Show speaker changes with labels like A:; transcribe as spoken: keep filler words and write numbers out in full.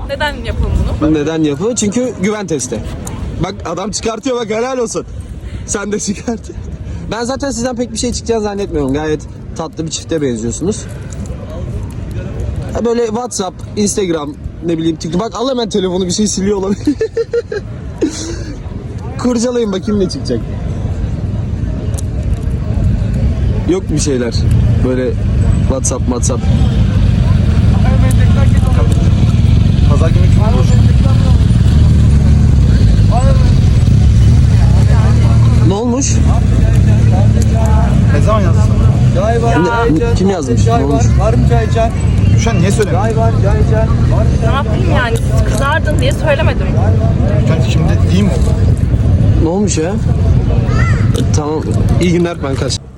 A: Neden yapalım bunu?
B: Neden yapıyor? Çünkü güven testi. Bak adam çıkartıyor, bak helal olsun. Sen de çıkart. Ben zaten sizden pek bir şey çıkacağını zannetmiyorum. Gayet tatlı bir çifte benziyorsunuz. Böyle WhatsApp, Instagram, ne bileyim TikTok. Bak al hemen telefonu, bir şey siliyor olabilir. Kurcalayın bakayım ne çıkacak. Yok bir şeyler. Böyle WhatsApp, WhatsApp.
C: Pazar günü kim olur?
B: Ne olmuş?
C: Ne zaman yazdın?
D: Çay var, çay içen.
B: Kim yazmış?
D: Çay
B: Ne olmuş?
D: var, var mı çay içen?
C: Gülşen niye söylemiyorsun?
D: Çay var, çay içen. Var.
A: Ne yapayım yani? Siz kızardın diye söylemedim.
C: Gülşen şimdi iyi mi oldu?
B: Ne olmuş ya? Tamam. İyi günler, ben kaç.